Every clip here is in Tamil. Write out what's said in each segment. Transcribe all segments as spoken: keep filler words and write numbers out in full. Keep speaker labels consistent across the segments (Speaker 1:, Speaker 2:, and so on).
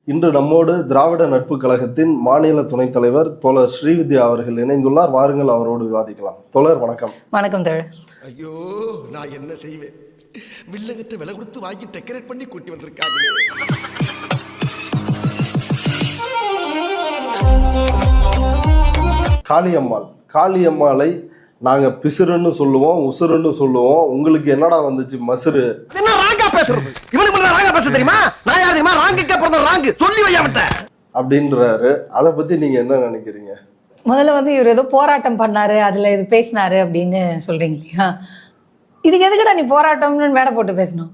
Speaker 1: இன்று நம்மோடு திராவிட நட்பு கழகத்தின் மாநில துணைத் தலைவர் தோழர் ஸ்ரீவித்யா அவர்கள் இணைந்துள்ளார். வாருங்கள் அவரோடு விவாதிக்கலாம். தோழர் வணக்கம்.
Speaker 2: வணக்கம் தோழர்.
Speaker 3: ஐயோ நான் என்ன செய்வேன், வில்லங்கத்தை விலை கொடுத்து வாங்கி டெக்கரேட் பண்ணி கூட்டி வந்திருக்காங்க.
Speaker 1: காளியம்மாள் காளியம்மாளை நாங்க பிசுறுன்னு சொல்லுவோம், உசுறுன்னு சொல்லுவோம். உங்களுக்கு என்னடா வந்துச்சு மசுறு?
Speaker 4: என்ன ராங்கா பேசுறது? இவனுக்கு ராங்கா பேச தெரியுமா? நான் யார் தெரியுமா? ராங்குக்கே பிறந்த ராங்கு சொல்லி வையாமட்ட
Speaker 1: அப்படின்றாரு. அதை பத்தி நீங்க என்ன நினைக்கிறீங்க?
Speaker 2: முதல்ல வந்து இவர் ஏதோ போராட்டம் பண்ணாரு, அதுல இது பேசினாரு அப்படின்னு சொல்றீங்க இல்லையா? இதுக்கு எதுக்குடா நீ போராட்டம்னு மேடை போட்டு பேசணும்?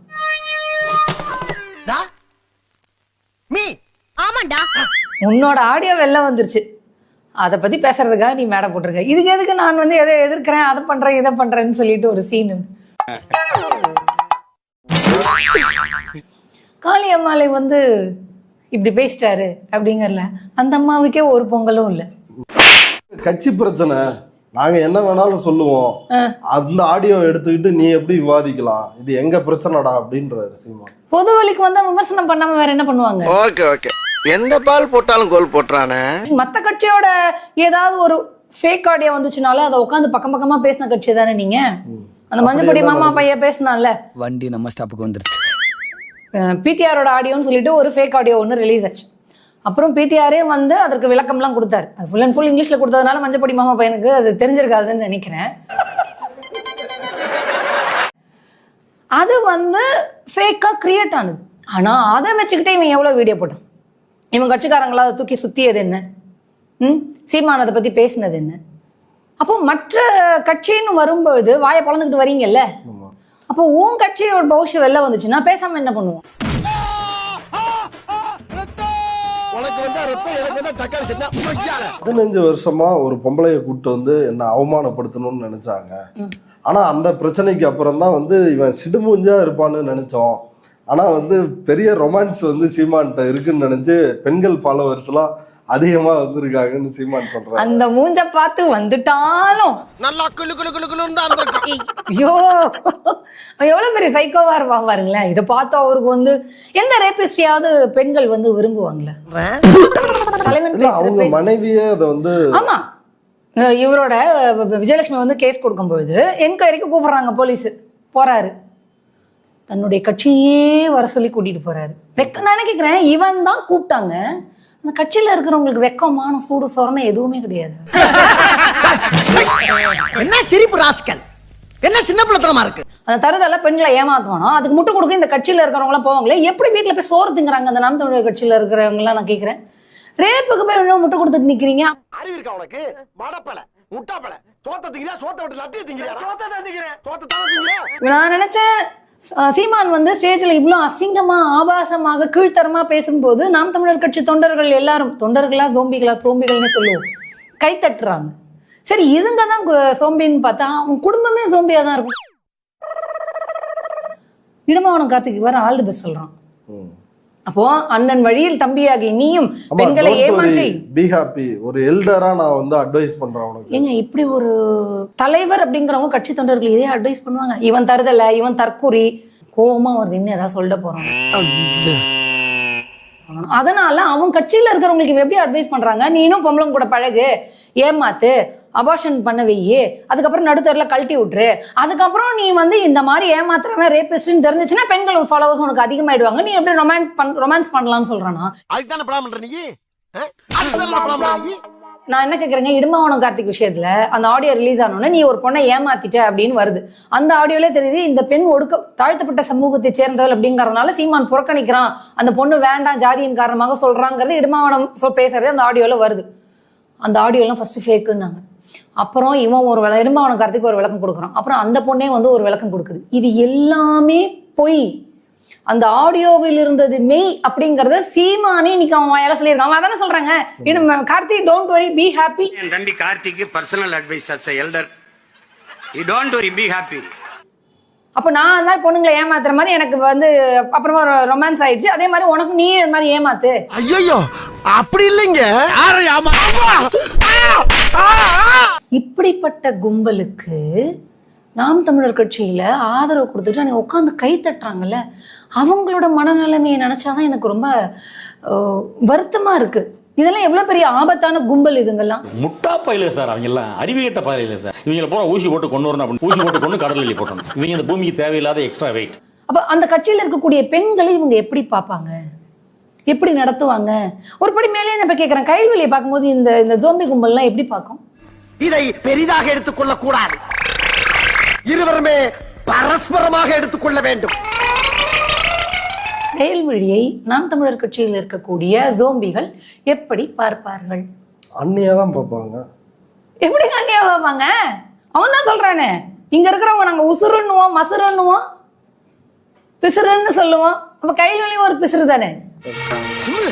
Speaker 4: மீ
Speaker 5: ஆமாண்டா,
Speaker 2: உன்னோட ஆடியோ வெளில வந்துருச்சு, அதை பத்தி பேசுறதுக்காக நீ மேடை போட்டிருக்க. இதுக்கு எதுக்கு நான் வந்து எதை எதிர்க்கிறேன், அதை பண்றேன், இதை பண்றேன்னு சொல்லிட்டு ஒரு சீனு. காளியம்மாளை வந்து இப்படி பேசிட்டாரு அப்படிங்கறல அந்த அம்மாவுக்கே ஒரு பொங்கலும் இல்லை.
Speaker 1: கட்சி பிரச்சனை, நாங்க என்ன வேணாலும் சொல்லுவோம், அந்த ஆடியோ எடுத்துக்கிட்டு நீ எப்படி விவாதிக்கலாம், இது எங்க பிரச்சனைடா அப்படின்றாரு சீமான்.
Speaker 2: பொது வழிக்கு வந்தா விமர்சனம் பண்ணாம வேற என்ன பண்ணுவாங்க?
Speaker 4: ஓகே ஓகே, எந்த பால் போட்டாலும் கோல் போட்டுறானே.
Speaker 2: மத்த கட்சியோட ஏதாவது ஒரு ஃபேக் ஆடியோ வந்துச்சுனால அதை உட்காந்து பக்கம் பக்கமா பேசின கட்சி தானே நீங்க. அந்த மஞ்சப்பொடி மாமா பையன் பேசினால
Speaker 6: வண்டி நம்ம ஸ்டாப்புக்கு வந்துருச்சு.
Speaker 2: பிடிஆரோட ஆடியோன்னு சொல்லிட்டு ஒரு ஃபேக் ஆடியோ ஒன்று ரிலீஸ் ஆச்சு. அப்புறம் பிடிஆரே வந்து அதற்கு விளக்கம்லாம் கொடுத்தாரு. அது ஃபுல் அண்ட் ஃபுல் இங்கிலீஷ்ல கொடுத்ததுனால மஞ்சப்பொடி மாமா பையனுக்கு அது தெரிஞ்சிருக்காதுன்னு நினைக்கிறேன். அது வந்து ஃபேக்கா கிரியேட் ஆனது. ஆனா அதை வச்சுக்கிட்டே இவன் எவ்வளவு வீடியோ போட்டான். இவன் கட்சிக்காரங்களா அதை தூக்கி சுத்தியது என்ன? ம் சீமான் அதை பத்தி பேசினது என்ன? அப்போ மற்ற கட்சின்னு வரும்பொழுது வாயை பொழந்துக்கிட்டு வரீங்கல்ல, அப்போ உன் கட்சியோட பௌஷ்யம் வெளில வந்துச்சுன்னா பேசாம என்ன பண்ணுவோம்?
Speaker 1: பதினஞ்சு வருஷமா ஒரு பொம்பளைய கூட்டு வந்து என்ன அவமானப்படுத்தணும்னு நினைச்சாங்க. ஆனா அந்த பிரச்சனைக்கு அப்புறம் தான் வந்து இவன் சிடுமூஞ்சா இருப்பான்னு நினைச்சோம். ஆனா வந்து பெரிய ரொமான்ஸ் வந்து சீமான்ட்ட இருக்குன்னு நினைச்சு பெண்கள் ஃபாலோவர்ஸ் எல்லாம் அதிகமா வந்திருக்காங்கன்னு சீமான் சொல்றாங்க.
Speaker 2: அந்த மூஞ்ச பார்த்து வந்துட்டாலும்
Speaker 4: நல்லா குளு குளு குளு குளுன்னு தான் இருந்திருக்கான்.
Speaker 2: ஐயோ எவ்வளவு பெரிய சைக்கோவா இருப்பாங்க பாருங்களேன். இதை பார்த்து அவருக்கு வந்து எந்த ரேபிஸ்டியாவது பெண்கள் வந்து விரும்புவாங்களே? தலைவன்
Speaker 1: அவங்க மனைவியே அதை வந்து
Speaker 2: ஆமா, இவரோட விஜயலட்சுமி வந்து கேஸ் கொடுக்கும்பொழுது என்கொயரிக்கு கூப்பிடுறாங்க. போலீஸ் போறாரு, தன்னுடைய கட்சியே வர சொல்லி கூட்டிட்டு போறாரு. வெக்க நான் கேக்குறேன், இவன் தான் கூப்பிட்டாங்க. அந்த கட்சியில இருக்கிறவங்களுக்கு வெக்கமான சூடு சொரணை எதுவுமே கிடையாது.
Speaker 4: என்ன சிரிப்பு ராஸ்கல், என்ன சின்ன பிள்ளைத்தனமா இருக்கு.
Speaker 2: அந்த தருதல பெண்களை ஏமாத்துவானோ அதுக்கு முட்டு கொடுக்க இந்த கட்சியில இருக்கிறவங்க எல்லாம் போவாங்களே, எப்படி வீட்டுல போய் சோறு திங்குறாங்க அந்த நாம் தமிழர் கட்சியில இருக்கிறவங்க எல்லாம்? நான் கேக்குறேன், ரேப்புக்கு போய் இன்னும் முட்டு கொடுத்துட்டு நிக்கிறீங்க.
Speaker 4: அறிவு இருக்கா உனக்கு? மடப்பல முட்டாப்பல சோத்த திங்கிறியா? சோத்த விட்டு லட்டிய திங்கிறியா? சோத்த தான் திங்கிறேன், சோத்த தான் திங்கிறேன்.
Speaker 2: நான் நினைச்சேன் சீமான் வந்து ஸ்டேஜ்ல இவ்வளவு அசிங்கமா ஆபாசமாக கீழ்த்தரமா பேசும்போது நாம் தமிழர் கட்சி தொண்டர்கள் எல்லாரும், தொண்டர்களா சோம்பிகளா, சோம்பிகள்னு சொல்லுவோம், கை தட்டுறாங்க. சரி இதுங்க தான் சோம்பின்னு பார்த்தா அவன் குடும்பமே சோம்பியா தான் இருக்கும். இடமாவனம் கார்த்திக் வர ஆல் தி பெஸ்ட் சொல்றான். அப்போ அண்ணன் வழியில் தம்பியாகி நீயும் பெண்களை ஏமாற்றி
Speaker 1: பி ஹாப்பி ஒரு எல்டரா நான் வந்து அட்வைஸ் பண்றேன் உனக்கு.
Speaker 2: ஏங்க இப்படி ஒரு தலைவர் அப்படிங்கிறவங்க கட்சி தொண்டர்கள் இதே அட்வைஸ் பண்ணுவாங்க? இவன் தருதல, இவன் தற்கூரி, கோபமா வருது, இன்னும் ஏதாவது சொல்லிட்டு போறான். அதனால அவன் கட்சியில இருக்கிறவங்களுக்கு இவன் எப்படி அட்வைஸ் பண்றாங்க? நீனும் பொம்பளம் கூட பழகு, ஏமாத்து, அபார்ஷன் பண்ண வையே, அதுக்கப்புறம் நடுத்தரில் கழட்டி விட்டுரு, அதுக்கப்புறம் நீ வந்து இந்த மாதிரி ஏமாத்துறவன் ரேபிஸ்ட்னு தெரிஞ்சிச்சுன்னா பெண்கள் ஃபாலோவர்ஸ் உனக்கு அதிகமாயிடுவாங்க, நீ எப்படி ரொமான்ஸ் பண் ரொமான்ஸ் பண்ணலாம்னு சொல்றானா?
Speaker 4: அதுதானே பிளான் பண்ற நீ? அதுதானே பிளான் பண்ற நீ?
Speaker 2: நான் என்ன கேக்குறேங்க, இடுமாவனம் கார்த்திக் விஷயத்துல அந்த ஆடியோ ரிலீஸ் ஆனோன்னா நீ ஒரு பொண்ணை ஏமாத்திட்ட அப்படின்னு வருது. அந்த ஆடியோலே தெரியுது இந்த பெண் ஒடுக்க தாழ்த்தப்பட்ட சமூகத்தை சேர்ந்தவள் அப்படிங்கறதுனால சீமான் புறக்கணிக்கிறான், அந்த பொண்ணு வேண்டாம் ஜாதியின் காரணமாக சொல்றாங்கிறது இடுமாவனம் பேசுறது அந்த ஆடியோல வருது. அந்த ஆடியோலாம் ஃபர்ஸ்ட் ஃபேக்குன்னாங்க. அப்புறம் இவன் ஒரு விள இடுமாவனம் கார்த்திக் ஒரு விளக்கம் கொடுக்குறான். அப்புறம் அந்த பொண்ணே வந்து ஒரு விளக்கம் கொடுக்குது. இது எல்லாமே பொய். அந்த ஆடியோவில் இருந்தது மெய் அப்படிங்கறத சீமானே இன்னைக்கு அவன் வாயால சொல்லியிருக்கான். அதானே சொல்றாங்க, Karthik don't worry be happy.
Speaker 7: என் தம்பி Karthik personal advice as a elder, you don't worry be happy.
Speaker 2: அப்ப நான் அந்த மாதிரி பொண்ணுங்களை ஏமாத்துற மாதிரி எனக்கு வந்து அப்புறமா ரொமான்ஸ் ஆயிடுச்சு, அதே மாதிரி உனக்கு நீ இந்த மாதிரி ஏமாத்து.
Speaker 4: ஐயோ அப்படி இல்லைங்க.
Speaker 2: இப்படிப்பட்ட கும்பலுக்கு நாம் தமிழர் கட்சியில ஆதரவு கொடுத்துட்டு நீ உட்காந்து கை தட்டுறாங்கல்ல, அவங்களோட மனநிலைமையை நினைச்சாதான் எனக்கு ரொம்ப அஹ், வருத்தமா இருக்கு. இதெல்லாம் எவ்வளவு பெரிய ஆபத்தான கும்பல் இதுங்கெல்லாம்.
Speaker 5: முட்டா பயில சார், அவங்க எல்லாம் அறிவியட்ட பயில சார். இவங்களை போற ஊசி போட்டு கொண்டு வரணும் அப்படின்னு ஊசி போட்டு கொண்டு கடலில் போட்டணும். இவங்க இந்த பூமிக்கு தேவையில்லாத எக்ஸ்ட்ரா வெயிட்.
Speaker 2: அப்ப அந்த கட்சியில இருக்கக்கூடிய பெண்களை இவங்க எப்படி பார்ப்பாங்க, எப்படி நடத்துவாங்க? ஒரு படி மேலே நான் இப்ப கேட்கிறேன், கைல்வெளியை பார்க்கும்போது இந்த இந்த ஜோம்பி கும்பல்லாம் எப்படி பார்க்கும்?
Speaker 4: இதை பெரிதாக எடுத்துக்கொள்ள கூடாது, இருவருமே பரஸ்பரமாக எடுத்துக்கொள்ள வேண்டும்.
Speaker 2: கைல்வெளியை நாம் தமிழர் கட்சியில் இருக்கக்கூடிய ஜோம்பிகள் எப்படி பார்ப்பார்கள்?
Speaker 1: அண்ணியா தான் பார்ப்பாங்க.
Speaker 2: எப்படி கண்டியா பார்ப்பாங்க? அவன் தான் சொல்றானே, இங்க இருக்கிறவங்க நாங்க உசுருன்னுவோம், மசுருன்னுவோம், பிசுறுன்னு சொல்லுவோம். அப்ப கைல்வெளியும் ஒரு பிசுறு தானே.
Speaker 4: சிம்மு,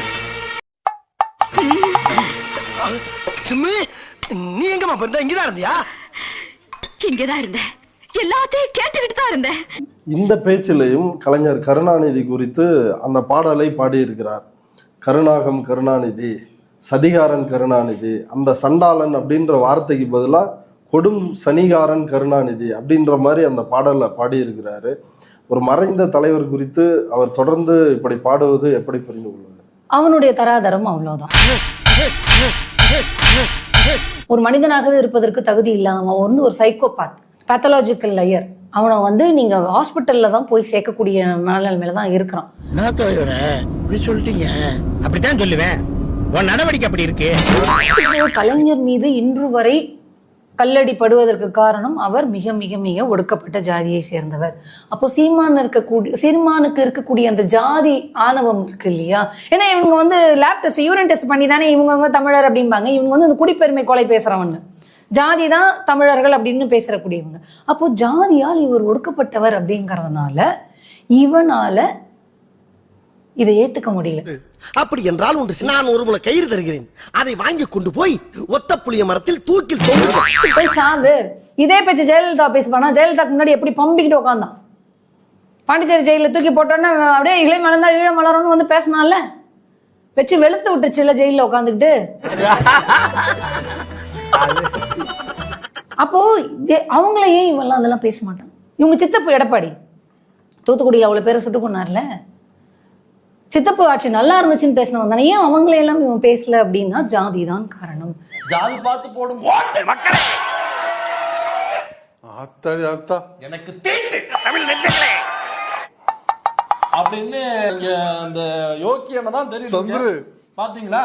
Speaker 4: சிம்மு, நீ எங்கம்மா போயிருந்த? இங்கதான் இருந்தியா?
Speaker 8: இங்கதான் இருந்தேன், எல்லாத்தையும் கேட்டுக்கிட்டு தான் இருந்தேன்.
Speaker 1: இந்த பேச்சிலையும் கலைஞர் கருணாநிதி குறித்து அந்த பாடலை பாடியிருக்கிறார். கருணாகம் கருணாநிதி, சதிகாரன் கருணாநிதி, அந்த சண்டாளன் அப்படின்ற வார்த்தைக்கு பதிலாக கொடும் சனிகாரன் கருணாநிதி அப்படின்ற மாதிரி அந்த பாடலை பாடியிருக்கிறாரு. ஒரு மறைந்த தலைவர் குறித்து அவர் தொடர்ந்து இப்படி பாடுவது எப்படி புரிந்து கொள்வது?
Speaker 2: அவனுடைய தராதரம் அவ்வளவுதான். ஒரு மனிதனாகவே இருப்பதற்கு தகுதி இல்லாம அவன் வந்து ஒரு சைக்கோபாத், பேத்தலாஜிக்கல் லயர். அவனை வந்து நீங்க ஹாஸ்பிட்டல்ல தான் போய் சேர்க்கக்கூடிய மனநிலைமையில தான் இருக்கிறான்.
Speaker 4: சொல்லிட்டீங்க, அப்படித்தான் சொல்லுவேன். உன் நடவடிக்கை அப்படி இருக்கு.
Speaker 2: கலைஞர் மீது இன்று வரை கல்லடி படுவதற்கு காரணம் அவர் மிக மிக மிக ஒடுக்கப்பட்ட ஜாதியை சேர்ந்தவர். அப்போ சீமான் இருக்கக்கூடிய சீமானுக்கு இருக்கக்கூடிய அந்த ஜாதி ஆணவம் இருக்கு இல்லையா? ஏன்னா இவங்க வந்து லேப் டெஸ்ட், யூரின் டெஸ்ட் பண்ணி தானே இவங்க வந்து தமிழர் அப்படிம்பாங்க. இவங்க வந்து அந்த குடிப்பெருமை கொலை பேசுறவங்க, ஜாதி தான் தமிழர்கள் அப்படின்னு பேசக்கூடியவங்க. அப்போ ஜாதியால் இவர் ஒடுக்கப்பட்டவர் அப்படிங்கறதுனால இவனால இதை ஏத்துக்க முடியல.
Speaker 3: அப்படி என்றால் ஒன்று, நான் ஒரு முளை கயிறு தருகிறேன், அதை வாங்கி கொண்டு போய் ஒத்த புளிய மரத்தில் தூக்கில் தொங்குங்கள்.
Speaker 2: போய் சாவு. இதே பேச்சு ஜெயலலிதா பேசுவானா? ஜெயலலிதாக்கு முன்னாடி எப்படி பம்பிக்கிட்டு உட்காந்தான்? பாண்டிச்சேரி ஜெயில தூக்கி போட்டோன்னா அப்படியே இளை மலர்ந்தா ஈழ மலரும்னு வந்து பேசினால, வச்சு வெளுத்து விட்டுச்சு இல்ல ஜெயில உட்காந்துக்கிட்டு. அப்போ அவங்கள ஏன் இவெல்லாம் அதெல்லாம் பேச மாட்டாங்க? இவங்க சித்தப்பு எடப்பாடி தூத்துக்குடியில் அவ்வளவு பேரை சுட்டு கொண்டார்ல, சித்தப்பு ஆட்சி நல்லா இருந்துச்சுன்னு பேசினவன் தானே. ஏன் அவங்கள எல்லாம் இவன் பேசல அப்படின்னா ஜாதி தான் காரணம்.
Speaker 5: ஜாதி பார்த்து போடும் மக்களே,
Speaker 9: ஆத்தாடி ஆத்தா
Speaker 5: எனக்கு தீட்டு தமிழ் நெஞ்சங்களே அப்படின்னு இங்க அந்த யோக்கியனை தான் தெரியும்.
Speaker 9: சந்துரு
Speaker 5: பாத்தீங்களா?